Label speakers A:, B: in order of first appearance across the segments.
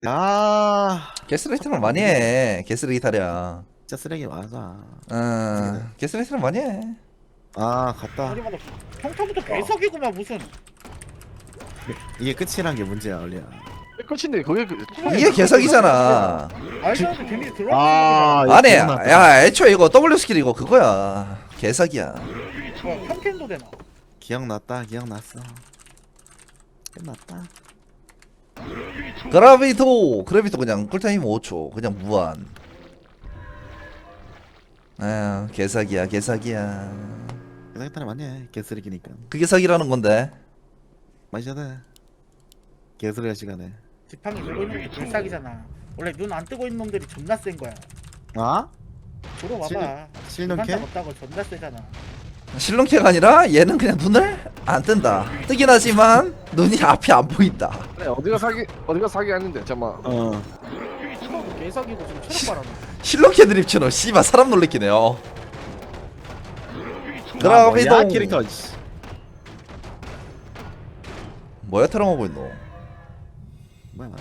A: 야,
B: 게스레이트를 많이 해. 게스레이터랴.
A: 진짜 쓰레기 맞아.
B: 게스레이트를 많이 해.
A: 아, 갔다.
C: 아니 맞아. 평타부터 개석이구만 무슨.
A: 이게 끝이란 게 문제야, 얼리야.
D: 끝인데 그게
B: 이게 개석이잖아.
C: 알지 않게 데미지 들어가는
A: 아,
C: 거잖아.
B: 아니,
A: 기억났다.
B: 야, 애초에 이거 W 스킬 이거 그거야. 개석이야.
C: 평캔도 되나?
A: 기억났다, 기억났어. 끝났다.
B: 그라비토 그냥 쿨타임 5초. 그냥 무한. 아, 개석이야.
A: 개사기타를 많이 해, 개쓰레기니까.
B: 그게 석이라는 건데.
A: 마셔야 개소리할 시간에.
C: 지팡이 들고 있는 게 불싹이잖아. 원래 눈 안 뜨고 있는 놈들이 존나 센 거야.
A: 아?
C: 들어 봐봐.
A: 실눈캐?
C: 없다고 존나 세잖아.
B: 실론캐가 아니라 얘는 그냥 눈을 안 뜬다. 뜨긴 하지만 눈이 앞이 안 보인다.
D: 그래, 어디가 사기 아닌데 잠만.
A: 어.
C: 이거 개석이고 지금 체력 바라네.
B: 실론캐 드립처럼 씨발 사람 놀래키네요. 그라비토.
A: 뭐야, 캐릭터. 씨.
B: 뭐야 테러만 보인노.
A: 뭐야.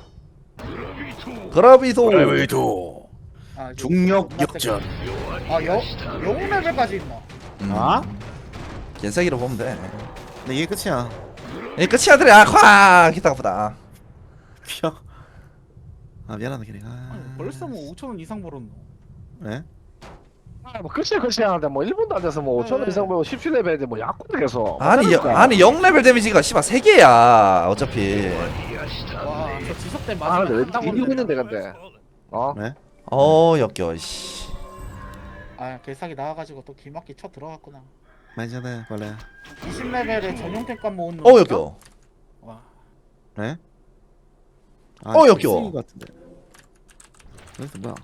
B: 그라비토.
C: 아, 이제
A: 중력
C: 존나
A: 역전.
C: 세게. 아 영웅 레벨까지 있나?
A: 아?
B: 개사기로 보면 돼.
A: 근데 이게 끝이야.
B: 이 끝이야 들이 콱 기타가 보다.
A: 피어. 아, 미안하다, 캐릭.
C: 아니,
A: 아.
C: 벌써 뭐 5,000원 이상 벌었노.
A: 네?
D: 뭐 끝이야 하는데 뭐 1분도 안 돼서 뭐 5천원 이상 벌고 17레벨인데 뭐 약국도 계속.
B: 아니 0레벨 데미지가 씨발 3개야 어차피.
C: 와저 지속 때
D: 아
C: 맞으면
D: 근데 왜
C: 한다고
D: 뒤지고
C: 그러는데.
D: 있는데 근데. 어?
A: 네?
B: 역겨 씨.
C: 아 개사기 나와가지고 또 기막기 쳐 들어갔구나.
A: 마셔야 원래.
C: 20레벨에 전용 템감 모은 놈.
B: 역겨.
C: 와.
A: 네? 아,
B: 역겨워.
A: 쓰레기 같은데. 그래서 뭐야?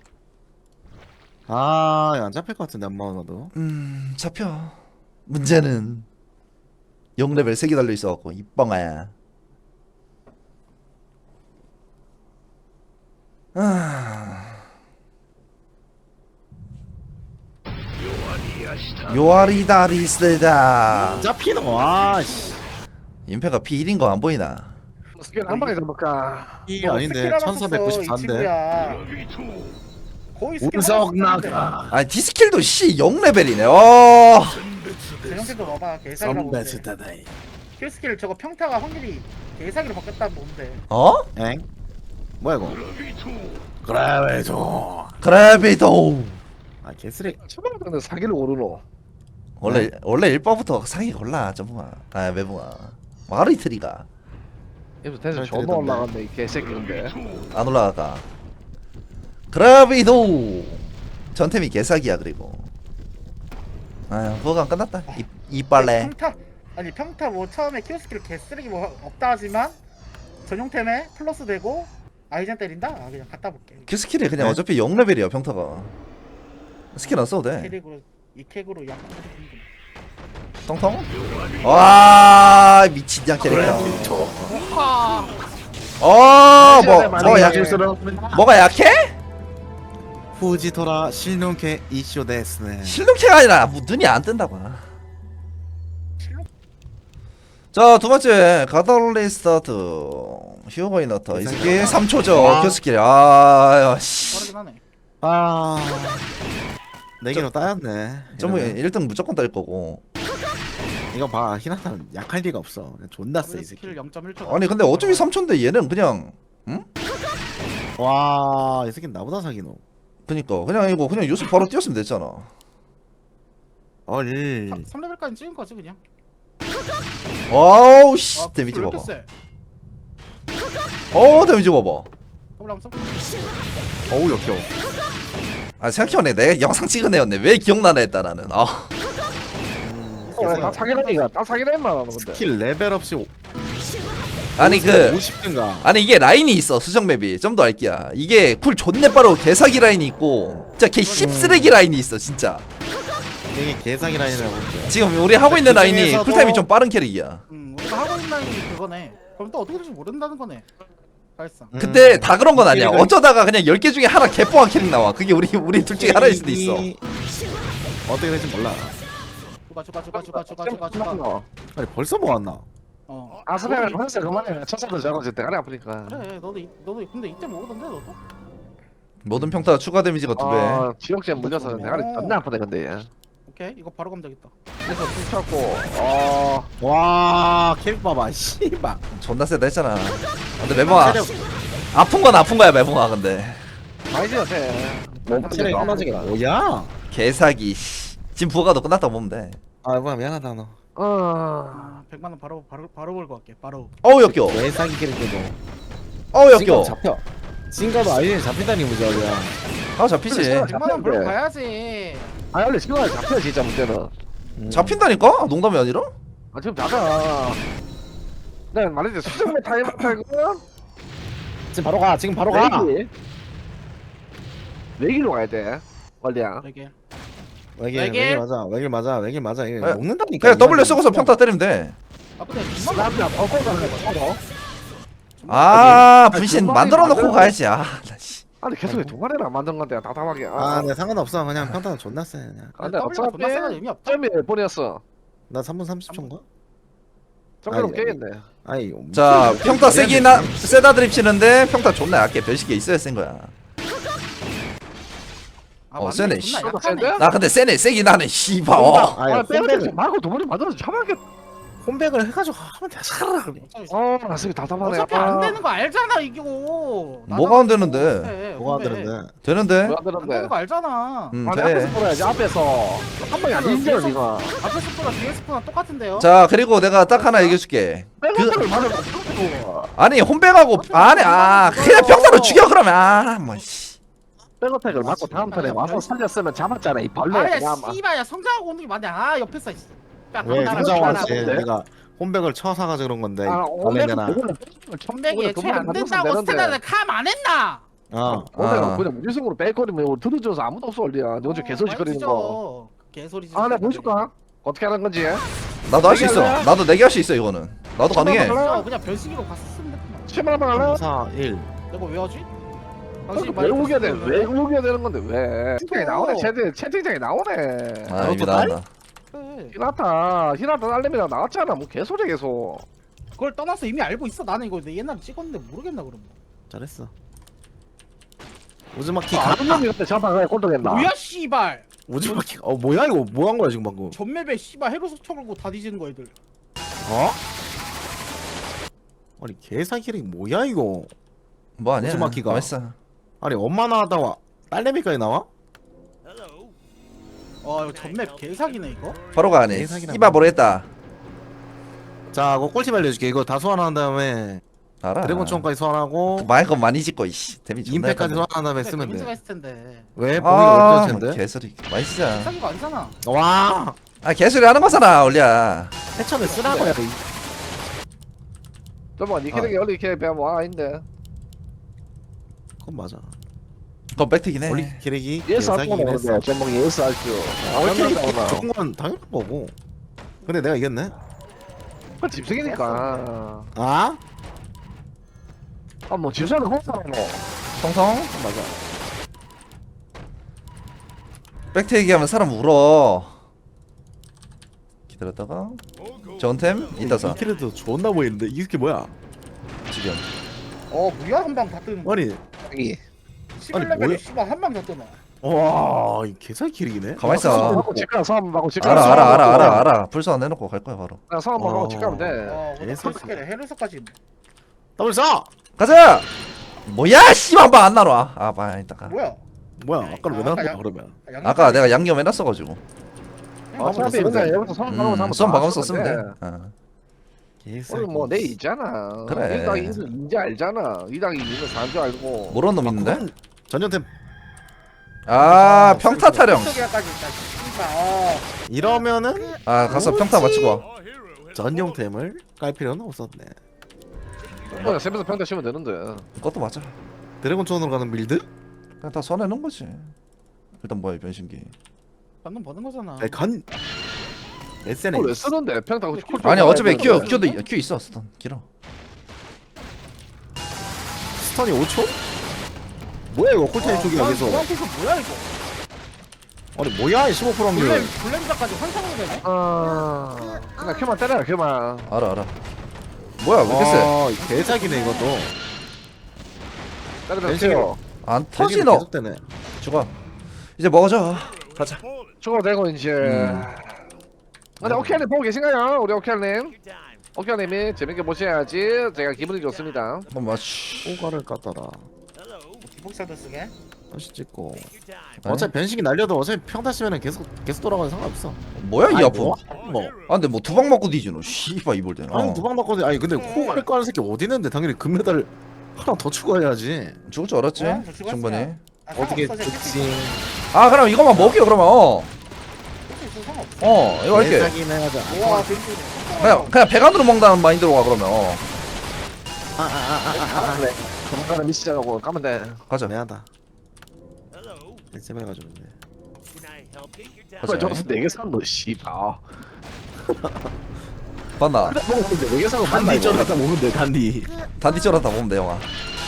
A: 아, 이거 안 잡힐 것 같은데, 엄마 나도.
B: 잡혀. 문제는 0레벨 3개 달려 있어갖고 이뻥아야. 요아리다리스다.
A: 잡히노, 아, 씨.
B: 임페가 P1인 거 안 보이나?
D: 스킬 한 방에 잡을까?
A: 이 아닌데, 1494인데.
C: 거의 스킬
A: 운석
C: 하나 썼는데.
A: 나가.
B: 아니 디스킬도 씨 0레벨이네.
C: 전용 템도 봐봐 개사기라고 보는데.
A: 선배스다다이.
C: 킬 스킬 저거 평타가 확률이 개사기로 바뀌었다는 뭔데.
B: 어?
A: 엥? 뭐야, 이거? 그래도.
B: 그래비도.
A: 아, 개쓰레기.
D: 처음에 근데 사기를 오르노.
B: 원래 1번부터 상이 골라 점붕아. 아 매붕아. 마르이트리가
D: 여기서 텐션
A: 잘
D: 존나
A: 들리던데.
D: 올라갔네 이 개새끼 근데.
B: 안 올라가까. 그래비도. 전템이 개사기야 그리고. 아유 뭐가 끝났다. 이빨래.
C: 평타 아니 평타 뭐 처음에 킬 스킬 개쓰레기 뭐 없다 하지만 전용템에 플러스 되고 아이젠 때린다? 아 그냥 갖다 볼게.
B: 그 스킬이 그냥
A: 네?
B: 어차피 0레벨이야 평타가. 스킬 안 써도 돼.
C: 캐릭으로 이 캡으로 약간
B: 통통. 와 미친장 캐릭터. 뭐가 약해?
A: 후지토라 신용케 이쇼 데스네.
B: 실눈캐가 아니라 눈이 안 뜬다고. 자 두번째 가톨리스타트 휴거이너터 이 새끼 3초죠 큐스킬. 아씨
C: 빠르긴 하네.
A: 아, 4개로 따였네.
B: 좀
A: 이러면.
B: 1등 무조건 딸 거고.
A: 이거 봐, 히나타는 약할 리가 없어. 그냥 존나 세, 이 새끼.
C: 스킬 0.1초.
B: 아니 근데 어차피 3초인데 얘는 그냥
A: 와, 이 새끼는 나보다 사기노.
B: 그니까 그냥 이거 그냥 요새 바로 뛰었으면 됐잖아.
A: 얼.
C: 3레벨까지 찍은 거지 그냥.
B: 와우 씨
C: 아,
B: 데미지
C: 왜 이렇게
B: 봐봐.
C: 세?
B: 데미지 봐봐.
C: 더블 한번 써볼게.
A: 어우, 역겨워.
B: 아 생각해보네 내가 영상 찍은 애였네. 왜 기억나나 했다 나는.
D: 딱 사기라니까 딱 사기라니만 하는 건데.
A: 스킬 레벨 없이
B: 아니 그
A: 50등가.
B: 아니 이게 라인이 있어 수정 맵이. 좀 더 알기야. 이게 쿨 존내 빠르고 개사기 라인이 있고 진짜 개 씹쓰레기 라인이 있어 진짜.
A: 이게 개사기 라인이라고.
B: 지금 우리 하고 있는
A: 그
B: 라인이
A: 중에서도-
B: 쿨타임이 좀 빠른 캐릭이야.
C: 우리가 하고 있는 라인이 그거네. 그럼 또 어떻게 될지 모른다는 거네. 사실상.
B: 근데 다 그런 건 아니야.
A: 캐릭을-
B: 어쩌다가 그냥 10개 중에 하나 개뽀한 캐릭 나와. 그게 우리 둘 중에 하나일 수도 있어.
A: 어떻게 될지 몰라.
C: 추가.
A: 아니, 벌써 모았나?
D: 아스레를 벌써 그만해. 첫사도 저거 지금 대가리 아프니까.
C: 그래 너도 근데 이때 먹었던데 너도?
B: 모든 평타 추가 데미지가 2배.
D: 지역제 물려서 대가리 존나 아프네 근데 얘.
C: 오케이 이거 바로 가면 되겠다.
D: 그래서 툭쳤고
A: 와 캐릭 봐봐 씨발.
B: 존나 세다 했잖아. 근데 매봉아 아픈 건 아픈 거야 매봉아. 근데
D: 많이 지었대.
A: 체력이 떨어지게 뭐야?
B: 개사기. 씨. 지금 부가도 끝났다고 보면 돼.
A: 아 뭐야 미안하다 너.
C: 100만 원 바로 걸고 갈게. 바로.
B: 어우 역겨.
A: 왜 사기 캐릭터도.
B: 어우
A: 징가도
B: 역겨.
A: 잡혀. 징가도 아이디 잡힌다니 무저야.
B: 아 잡히지.
C: 100만 원 벌고 가야지.
D: 아 원래 지금 잡혀 진짜 문제는.
B: 잡힌다니까? 농담이 아니라?
D: 아 지금 잡아. 내가 말했지 수정매 타임 탈거.
A: 지금 바로 가. 지금 바로 가.
D: 외길로 가야 돼. 원래야.
C: 되게.
A: 외길 맞아. 외길 맞아. 외길 맞아. 이거
B: 에,
A: 먹는다니까.
B: 그냥 W 쓰고서 평타 때리면 돼.
C: 아 근데
D: 남자 벗고 가는 거.
B: 아 분신 만들어 놓고 가야지. 아, 나 씨.
D: 아니 계속 동아리를 안 만든 건데 답답하게.
A: 아, 네 상관없어. 그냥 평타는 존나 세. 그냥.
D: 근데
C: W가 존나 세가 의미 없다.
D: 점이 몇 번이었어?
A: 나 3분 30초인가?
D: 점으로
A: 아니,
D: 깨겠네.
A: 아니.
B: 자
A: 무슨
B: 평타
A: 소리야,
B: 세기나
A: 미친.
B: 세다 드립 치는데 평타 존나 약해. 별식에 있어야 센 거야.
C: 맞네,
B: 세네,
C: 존나
B: 씨.
C: 약하네.
D: 센데?
B: 나 근데 세네 세긴 하네. 씨발. 어.
A: 아니
D: 아 빼고
A: 홈백을
D: 말고 도머리 만들어서 잡아야겠.
A: 홈백을 해가지고 하면 되잖아.
D: 나 지금 답답하네.
C: 어차피 안 되는 거 알잖아 이거.
B: 뭐가 안 되는데?
A: 뭐가 안 되는데?
B: 되는데?
D: 뭐야
C: 안 되는
D: 되는데?
C: 거 알잖아.
B: 음,
D: 아니 앞에서
B: 돼.
D: 보라야지 앞에서 한 방에 안 인정 니가.
C: 앞에 스포나 뒤에 스포나 똑같은데요?
B: 자 그리고 내가 딱 하나 얘기해줄게.
D: 백업을 맞아.
B: 아니 홈백하고 안에 그냥 평타로 죽여 그러면 아뭐 씨.
D: 백어택을 맞고 다음 턴에 와서 살렸으면 잡았잖아 이 벌레.
C: 아야
D: 그냥 막.
C: 씨발야 성장하고 오는 게 맞네. 아 옆에서 씨. 야,
A: 왜
C: 나랑
A: 상장
C: 나랑
A: 왔지?
D: 하는데?
A: 내가 홈백을 쳐사가지고 그런 건데.
D: 아
A: 원래 내나.
C: 천백이 애초에 안 된다고 스탠다드 캄안 했나?
D: 오늘 그냥 무지성으로 뺄거리면 들어줘서 아무도 없어 원래야. 너 어제 개소리 거리는 거.
C: 개소리.
D: 아, 내가 보여줄까? 어떻게 하는 건지.
B: 나도 할 수 있어.
D: 할래?
B: 나도 내게 할 수 있어 이거는. 나도 가능해.
C: 그냥 변식으로 갔었으면 됐구나.
D: 10만 원만 할래?
A: 4, 1.
C: 내가 왜 하지?
D: 왜 우겨야 돼? 왜 우겨야 되는 건데 왜? 채팅창에 나오네. 채팅창에 나오네.
B: 아 여기 나온다.
C: 그래.
D: 히나타 딸내미랑 나왔잖아. 뭐 개소리 계속.
C: 그걸 떠나서 이미 알고 있어. 나는 이거 내 옛날에 찍었는데 모르겠나 그럼.
A: 잘했어. 우즈마키
D: 아, 아는 놈이 그때 전파가 꼴등했나?
C: 뭐야 씨발.
A: 우즈마키. 뭐야 이거 뭐 한 거야 지금 방금?
C: 전맵에 씨발 해로석 쳐걸고 다 뒤지는 거 애들.
A: 어? 아니 개사 캐릭 뭐야 이거?
B: 뭐 아니야.
A: 우즈마키가.
B: 맛있어.
A: 아니 엄마 나왔다가 딸내미까지 나와?
C: 이거 전맵 개사기네 이거.
B: 바로 가네.
A: 예상이나
B: 이봐 모르겠다.
A: 자, 그거 꿀팁 알려줄게. 이거 다 소환한 다음에
B: 알아.
A: 드래곤총까지 소환하고
B: 많이 건 많이 짓고 이씨. 데미지 존나
A: 임팩까지
B: 약하네.
A: 소환한 다음에 쓰면
C: 데미지가
A: 돼.
C: 있을 텐데.
A: 왜? 보기가
B: 아
A: 어려울 텐데.
B: 개소리. 많이 쓰자.
C: 개사기가 아니잖아.
A: 와,
B: 아 개소리 하는 거잖아 올려.
A: 해천을 쓰라고야.
D: 저번 니 캐릭이 원래 이렇게 배면 와 아닌데.
A: 그건 맞아.
B: 그건 팩트긴 해.
A: 원리 캐릭이
D: 예스 할
A: 개사기긴
D: 거네.
A: 했어.
D: 제목이 예스 할 줄.
A: 원리 캐릭이
D: 아,
A: 좋은 건 당연한 거고. 근데 내가 이겼네.
D: 그 집승이니까.
A: 아?
D: 뭐 지수는 홍사라노.
B: 성성.
A: 맞아.
B: 팩트 얘기하면 사람 울어. 기다렸다가 전템 이따서
A: 이 캐릭터 존나 보이는데 이게 뭐야?
B: 지금.
C: 뭐야 한 방 다 뜨는 거.
A: 아니,
D: 이.
C: 11레벨에
A: 뭐야?
C: 씨발 한 방 다 뜨나.
A: 와, 이 개사기 캐릭이네.
B: 가만 있어.
D: 하고 집가 싸움 하고 집가.
B: 알아. 불소안 해놓고 갈 거야 바로.
D: 그냥 싸움 하고 집가면 돼.
C: 오늘
A: 개사기네.
C: 킬스킬에 헤르서까지 있네.
A: 더블 써.
B: 가자. 뭐야 씨발 한번 안 나와. 아 많이 있다가.
C: 뭐야?
A: 뭐야? 아까는 왜
C: 아까
A: 나왔냐
C: 양-
A: 그러면?
B: 아까 내가 양념 해놨어가지고.
D: 어차피
A: 쓰면
D: 맨날
A: 돼.
D: 얘부터 손 박으면서 한번
B: 수험
D: 다
B: 박으면서
D: 쓰면
B: 쓰면
D: 돼.
B: 돼. 어.
A: 개사기.
D: 오늘 뭐내 있잖아.
B: 그래.
D: 1당 2는 인지 알잖아. 2당 2는 4인 줄 알고.
B: 모르는 놈 있는데?
A: 그건 전년템
B: 아 평타 타령.
C: 까지 있다. 씨발.
A: 이러면은
B: 아 가서 평타 맞추고 와.
A: 전용템을 깔 필요는 없었네.
D: 그냥 세면서 평타 치면 되는데.
B: 그것도 맞아.
A: 드래곤촌으로 가는 빌드?
B: 그냥 다 손해놓은 거지. 일단 뭐야 이 변신기.
C: 방금 버는 거잖아.
A: 간 SNA
D: 그걸 왜 쓰는데? 평타 쿨
B: 아니 어차피
D: 되는데.
B: 큐 있어 스턴 길어.
A: 스턴이 5초? 뭐야 이거 콜타임 쪽이야 계속.
C: 무한께서 뭐야 이거?
A: 아니 뭐야 이 15% 확률.
C: 블렘자까지 환상으로 되네?
D: 그냥 큐만 때려 큐만.
B: 알아. 뭐야 왜 이렇게 세?
A: 개사기네 이것도.
D: 때려주세요.
B: 안
A: 대식이
B: 터지 너.
A: 계속 되네.
B: 죽어. 이제 먹어줘. 가자.
D: 죽어도 되고 이제. 근데 오케이님 보고 계신가요? 우리 오케이님. 오케이님이 재밌게 보셔야지 제가 기분이 좋습니다.
B: 한번 맞추.
A: 호가를 깠다라.
C: 기폭샷도 쓰게.
A: 다시 찍고. 어차피 변식이 날려도 어차피 평타 치면은 계속 돌아가서 상관없어.
B: 뭐야 이
A: 아니,
B: 아픔?
A: 뭐.
B: 아 근데 뭐 두 방 맞고 뒤지 너. 씨발 이볼 때는.
A: 아니 두방 맞거든. 아니 근데 호가를 까는 새끼 어디 있는데 당연히 금메달 하나 더 추가해야지.
B: 죽을 줄 알았지.
C: 어, 저 죽었어요.
B: 중반에.
C: 아,
A: 어떻게
C: 상관없어,
A: 죽지?
B: 아 그럼 이거만 먹여 그러면.
C: 상관없어.
B: 이거 할게.
A: 개사기는 하자.
C: 우와 벤츠.
B: 그냥 배간으로 먹는다는 마인드로 가 그러면.
D: 그래. 조만간에 미시작하고 가면 돼.
B: 가자.
A: 미안하다. 제발 가지고.
D: 그래 저기서 4개 산 너 씨발.
B: 봤나?
D: 먹었는데 4개 산거 맞나
A: 단디
D: 이거?
A: 쩔었다 보면 돼. 단디.
B: 단디 쩔었다 보면 돼 영화.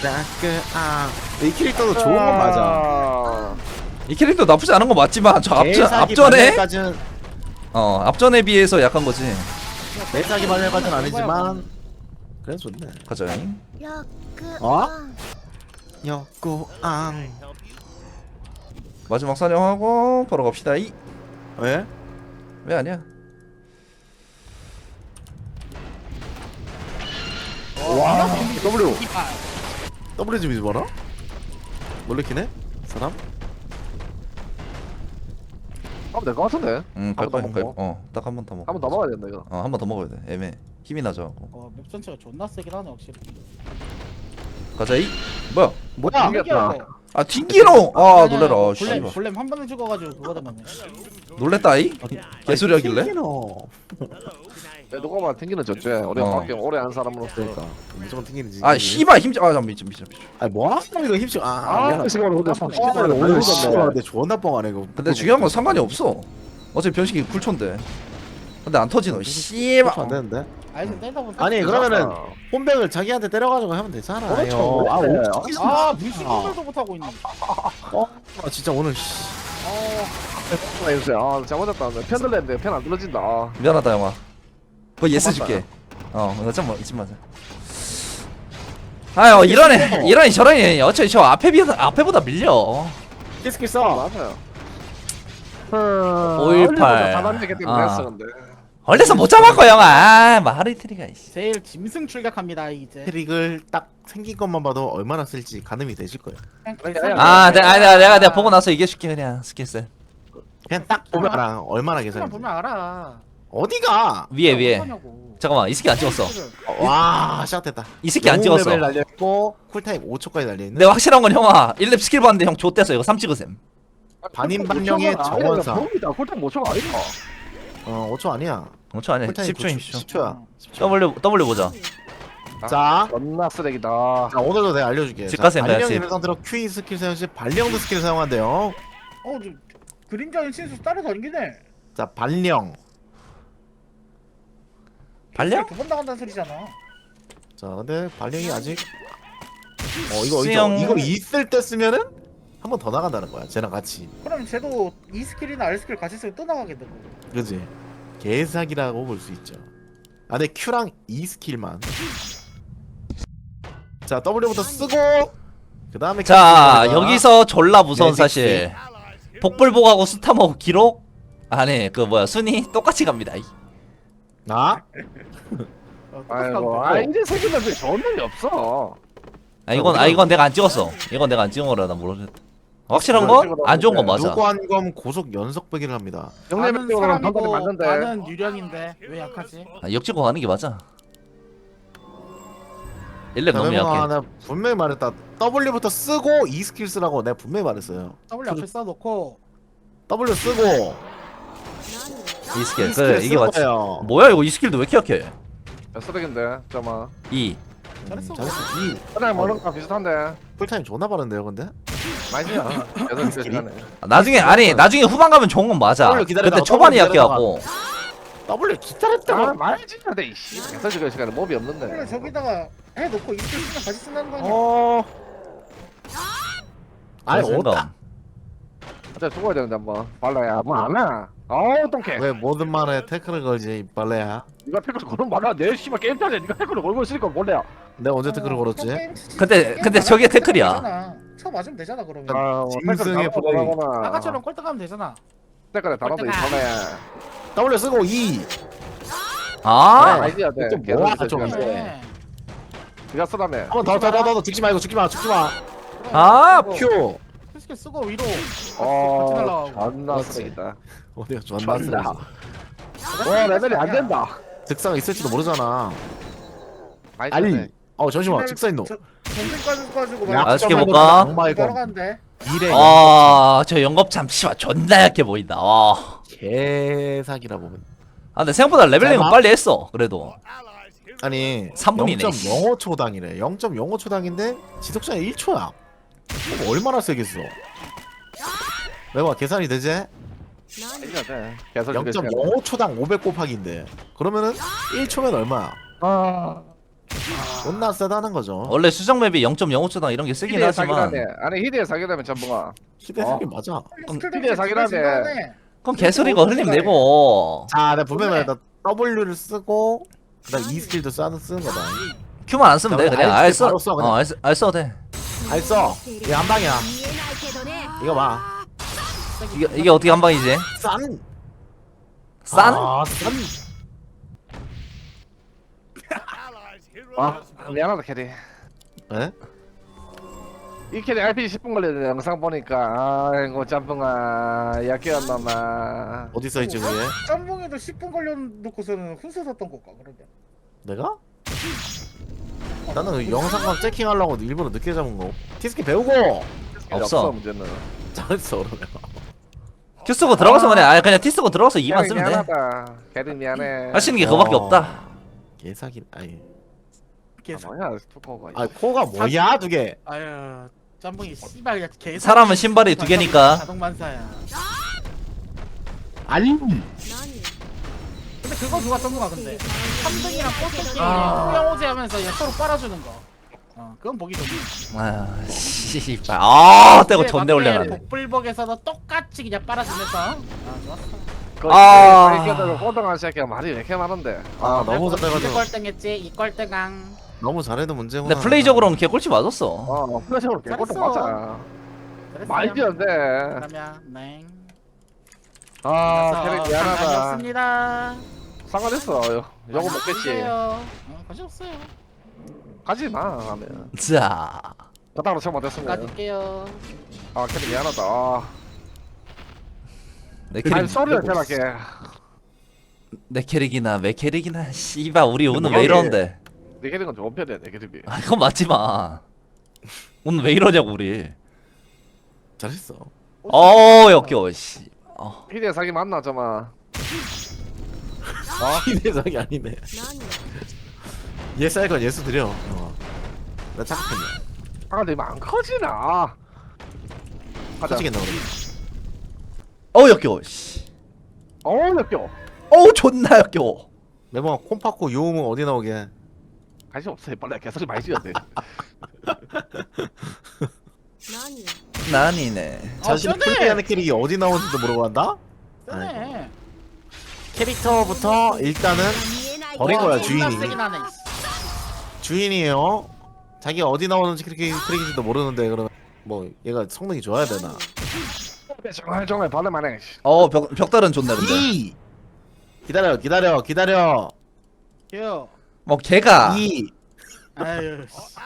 A: 이 캐릭터도 좋은 건 맞아.
D: 아.
B: 이 캐릭터 나쁘지 않은 거 맞지만 저
A: 개사기
B: 앞전에
A: 발랄까지는
B: 앞전에 비해서 약한 거지.
A: 개사기 발랄까지는 아니지만 그래 좋네.
B: 가자.
A: 어? 역구앙.
B: 마지막 사냥하고 바로 갑시다.
A: 왜?
B: 왜 아니야?
A: 와. W. W 좀 잊어봐라. 놀래키네? 사람?
D: 가면 될것 같은데.
B: 갈 거야.
D: 한번 더 먹어?
B: 딱 한 번 더 먹어.
D: 한 번 더 먹어야 된다 이거.
B: 한 번 더 먹어야 돼. 애매. 힘이 나죠.
C: 맵 전체가 존나 세긴 하네 확실히.
B: 가자. 뭐야?
A: 뭐야?
D: 이겼다.
B: 아 튕기노. 아 놀래라. 씨발.
C: 볼렘 한 번에 죽어가지고 그거 되면.
B: 놀랬다 이. 개소리 하길래.
A: 튕기노.
D: 야, 누가 봐 튕기는 전체. 우리가
B: 어.
D: 밖에 오래 한 사람으로서.
A: 그러니까 무조건 튕기는지.
B: 아 씨발 힘. 아 잠깐 미친.
A: 아니 뭐 하는 이거 힘쓰.
D: 아,
A: 미안하다.
D: 시간을 근데
A: 씨발
D: 오래
A: 오늘 씨발
D: 걸렸네.
A: 내 존나 뻥하네 이거.
B: 근데 중요한 건 상관이 없어. 어차피 변식이 쿨촌데. 근데 안 터지노. 씨발.
A: 안 되는데.
C: 아니 때리다 보면.
A: 아니 그러면은 홈백을 자기한테 때려가지고 하면 되잖아요.
D: 그렇죠.
A: 아,
D: 원래.
C: 아 물씬 건들도 못하고 있네.
A: 아 진짜 오늘 씨.
D: 해주세요. 아, 잘못했다. 편 들렸는데 편 안 들어진다. 아.
B: 미안하다 영화. 그 예스
D: 고맙다.
B: 줄게. 나 좀 잊지 마자. 아유 이러니 저러니 어차피 저 앞에보다 밀려.
A: 키스킬 써.
D: 맞아요.
B: 518.
D: 다단계기 때문에
B: 아.
D: 했어 근데.
B: 얼려서 못 잡았고 영화. 마하리트리가 이씨.
C: 제일 짐승 출격합니다 이제.
A: 트릭을 딱 생긴 것만 봐도 얼마나 쓸지 가늠이 되실 거예요.
B: 내가 보고 나서 얘기해줄게 그냥 스킬셋.
A: 그냥 딱 보면 알아. 얼마나
C: 그냥
A: 계산이.
C: 보면 알아.
A: 어디가?
B: 위에.
C: 어떡하냐고.
B: 잠깐만 이 스킬 안 찍었어.
A: 와 시작됐다.
B: 이 스킬 안 찍었어.
A: 레벨 날려있고 쿨타임 5초까지 달려있는.
B: 근데 확실한 건 형아 1렙 스킬 봤는데 형 좆대서 이거 3 찍으셈.
A: 반인반령의 정원사.
D: 봅니다. 콜탑 5초가 아니다.
A: 5초 아니야.
B: 5초 아니야
A: 쿨타임
B: 10초 10초.
A: 10초야.
B: W 보자.
A: 자,
D: 존나 쓰레기다.
A: 자 오늘도 내가 알려줄게.
B: 집 가세요,
A: 발령
B: 집.
A: 있는 상태로 Q 스킬 사용 시 발령도 스킬 사용한대요.
C: 그림자인 신수 따라다니기네.
A: 자 발령.
B: 발령?
C: 두번 나간다는 소리잖아.
A: 자 근데 발령이 아직 이거
B: 수영.
A: 이거 있을 때 쓰면은 한 번 더 나간다는 거야. 쟤랑 같이.
C: 그럼 쟤도 E 스킬이나 R 스킬 같이 쓰면 또 나가겠네.
A: 그지? 개사기라고 볼 수 있죠. 아 근데 Q랑 E 스킬만. 자 W부터 쓰고 그 다음에
B: 자 여기서 졸라 무서운
A: 네,
B: 사실. 복불복하고 스타머 기록? 아니 그 뭐야 순위 똑같이 갑니다.
A: 나
D: 아이고. 아 이제 새끼들 좋은 놈이 없어.
B: 이건 내가 안 찍었어. 이건 내가 안 찍은 거라 나 모르겠다. 확실한 거? 안 좋은 건 맞아.
A: 노관검 고속 연속 배기를 합니다.
C: 아는
D: 영내면으로는 반반이
C: 사람이고
D: 맞는데.
C: 나는 유령인데 왜 약하지?
B: 역찍고 가는 게 맞아. 1렙 너무
A: 내가
B: 약해.
A: 나 분명히 말했다. W부터 쓰고 E 스킬 쓰라고 내가 분명히 말했어요.
C: W 앞에 써놓고
A: W 쓰고
B: 이 스킬.
A: E
B: 그래
A: 스킬
B: 이게 맞지.
A: 거예요.
B: 뭐야 이거 이 스킬도 왜 이렇게 약해?
D: 몇 쓰레기인데. 잠깐만.
B: 2.
C: 잘했어.
A: 잘했어. E
D: 그냥 먹는 거랑 비슷한데.
A: 풀타임 존나 빠른데요, 근데?
D: 맛이야. 여덟 개 시간에.
B: 나중에 후반 가면 좋은 건 맞아.
A: W 기다리다가
B: 근데 초반이
A: W
B: 약해갖고.
A: W 기다렸다고.
D: 아 말지 돼 이씨. 여덟 개 시간에 몹이
C: 원래
D: 없는데.
C: 저기다가 해놓고 E 스킬 쓰면 같이 쓴다는 거 아니야?
A: 아니
B: 생각.
A: 오다.
D: 진짜 죽어야 되는데 한번 발라야 뭐 안해 어우 똥개
A: 왜 모든 말에 태클을 걸지 이 빨래야?
D: 니가 태클 걸으면 말아 내 씨발 게임 짜네 니가 태클을 걸고 있으니까 몰래야
A: 내가 언제 태클을 걸었지?
B: 근데 저게 태클이야.
C: 쳐 맞으면 되잖아 그러면.
A: 짐승의 플레이.
C: 아까처럼 꼴등하면 되잖아.
D: 태클에 달아도 이 발라야
A: W 쓰고 2.
B: 아
D: 아이디어 돼
A: 좀 뭐야, 좀.
C: 네.
D: 니가 쓰라며
A: 한번 더 죽지 말고 죽지 마.
B: 아,
A: 큐.
C: 스킬 쓰고 위로. 같이
D: 어
C: 날라가고.
D: 존나
A: 그렇지.
D: 쓰레기다
A: 어디가 존나
D: 존나
A: 쓰레기.
D: 와 레벨이 안 된다
A: 즉사가 있을지도 모르잖아.
D: 아이디어
A: 아니.
D: 돼
A: 잠시만. 즉사 있노.
C: 전생 가지고
A: 야,
B: 아, 어떻게
A: 점을
B: 볼까?
A: 악마의 검.
C: 걸어간대.
A: 이래.
B: 아, 저 영겁참 씨발 존나 약해 보인다. 와.
A: 개사기라 보면.
B: 아, 근데 생각보다 레벨링은
A: 잘 봐.
B: 빨리 했어. 그래도.
A: 아니
B: 3분이네.
A: 0.05초당이래. 0.05초당인데 지속시간 1초야. 얼마나 세겠어? 내가 계산이 되지?
D: 아이디어 돼 계속
A: 0.05초당 500 곱하기인데 그러면은 1초면 얼마야? 존나 세다는 거죠.
B: 원래 수정 맵이 0.05초당 이런 게 쓰긴
D: 히데의
B: 하지만.
D: 사기라네 아니 히데의 사기라면 전붕아
A: 시대생이 맞아.
D: 스킬에 사기라네.
B: 그럼 개소리가 흘림 내고.
A: 자, 내가 분명히 말했다. W를 쓰고 그다음 E 스킬도 쓰는 거다.
B: Q만 안 쓰면 돼. 그냥
A: 알
B: 알
A: 때
B: 써.
A: 바로 써, 그냥.
B: 알 써도 돼.
A: 알써. 이게 한 방이야. 이거 봐.
B: 이게 어떻게 한 방이지?
A: 싼.
B: 싼?
A: 아, 싼.
D: 아 미안하다 캐리
A: 에?
D: 이 캐리 RPG 10분 걸리는 영상 보니까 아이고 짬뽕아 약해한 놈아
A: 어디 써 있지 그게?
C: 짬뽕에도 10분 걸려놓고서는 훈수 섰던 걸까 그러면.
A: 내가? 나는 그 영상각 체킹하려고 일부러 늦게 잡은 거. 티스키 배우고.
B: 없어.
D: 문제는
A: 잘했어 그러면.
B: Q 쓰고 들어가서 그냥 T 쓰고 들어가서 2만 쓰면 돼.
D: 미안하다 캐리 미안해
B: 할 수 있는 게 그거밖에 없다.
A: 개사기. 아니.
D: 뭐야 투코가
A: 아 코가 뭐야 두 개.
C: 아유 짬뽕이 씨발 그냥 개.
B: 사람은 신발이 두 개니까.
C: 자동 만사야.
A: 아니.
C: 근데 그거 누가 짬뽕아 근데. 3등이랑 꼴등 게임
B: 아.
C: 후영호제 하면서 얘 서로 빨아주는 거. 그건 보기 좋네.
B: 아, 씨발. 아, 떼고 존내 올려놨네.
C: 복불복에서도 똑같이 그냥 빨아주면서. 좋았어.
B: 아.
D: 이렇게 호동한 새끼가 말이 왜 이렇게 많은데
A: 아 너무 잘해가지고.
C: 1꼴등했지 2꼴등강.
A: 너무 잘해도 문제구나.
B: 근데 플레이적으로는 걔 꼴찌 맞았어.
D: 플래시로 개꼴등
C: 잘했어.
D: 맞아 말도 안돼
C: 그러면 네.
D: 아 캐리 미안하다
C: 감사합니다.
D: 상관했어 요거 먹겠지
C: 관심 없어요.
D: 가지마 하면
B: 자.
D: 그따로 처음 못했으면
C: 가질게요.
D: 아 캐리 미안하다
B: 내
D: 아니
B: 캐릭,
D: 소리를 대라게
B: 내 캐릭이나 내 캐릭이나 씨발 우리 오늘 왜 이러는데?
D: 내 캐릭은 좋은 편이야 내 캐릭이
B: 아, 그건 맞지마. 오늘 왜 이러냐고 우리.
A: 잘했어.
B: 역겨워 씨.
D: 히데 사기 맞나 저마
A: 기대작이 아니네. 예스 할 건 예스 드려. 나 착각했네.
D: 아 근데 안 커지나 가자
A: 터지겠나 그러면.
B: 역겨워 씨.
D: 역겨
B: 존나 역겨워.
A: 매번 콤파코 요음은 어디 나오게?
D: 관심 없어 빨리 개소리 많이 지었네
B: 난이네.
A: 자신이
C: 쩌네.
A: 플레이하는 캐릭이 어디 나오는지도 모르고 한다?
C: 쎄네.
A: 캐릭터부터 일단은 버린 거야
C: 존나
A: 주인이.
C: 세긴 하네.
A: 주인이에요. 자기가 어디 나오는지 캐릭인지도 모르는데 그러면 뭐 얘가 성능이 좋아야 되나?
D: 정말 받을만해
B: 벽달은 좋네 근데.
A: 2 기다려.
C: 요.
B: 뭐 걔가
A: 2
C: 아유.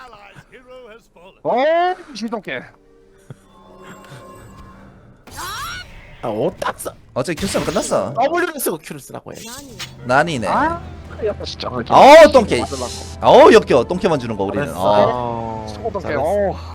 D: 시동캐
A: 딱 써.
B: 어차피 Q 쓰면 끝났어.
A: W를 쓰고 Q를 쓰라고 해.
B: 난이네.
D: 야 진짜
B: 똥개. 역겨워. 똥개만 주는 거 우리는.
A: 잘했어.
D: 소동캐
A: 잘했어.